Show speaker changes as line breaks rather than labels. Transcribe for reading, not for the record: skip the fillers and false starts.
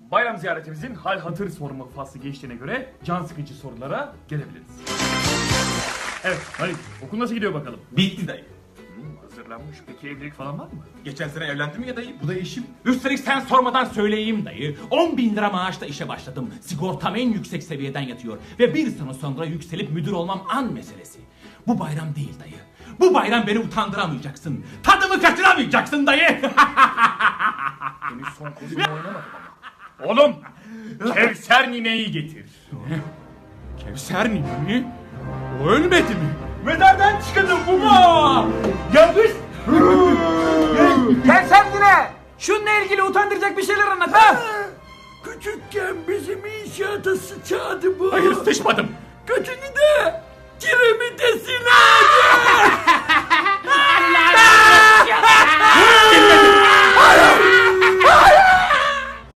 bayram ziyaretimizin hal hatır sorma faslı geçtiğine göre can sıkıcı sorulara gelebiliriz. Evet Halit, okul nasıl gidiyor bakalım?
Bitti dayı.
Hazırlanmış, peki evlilik falan var mı?
Geçen sene evlendim ya dayı. Bu da eşim.
Üstelik sen sormadan söyleyeyim dayı. 10.000 lira maaşla işe başladım. Sigortam en yüksek seviyeden yatıyor. Ve bir sene sonra yükselip müdür olmam an meselesi. Bu bayram değil dayı. Bu bayram beni utandıramayacaksın. Tadımı kaçıramayacaksın dayı.
Henüz son kozumu oynamadım ama. Oğlum, Kevser nineyi getir.
Kevser nine mi? O ölmedi mi? Mezardan çıkıldı baba. Yanlış.
Kevser yine. Şununla ilgili utandıracak bir şeyler anlat ha.
Küçükken bizim inşaata sıçadı bu.
Hayır sıçmadım.
Götünü de kiremitesine.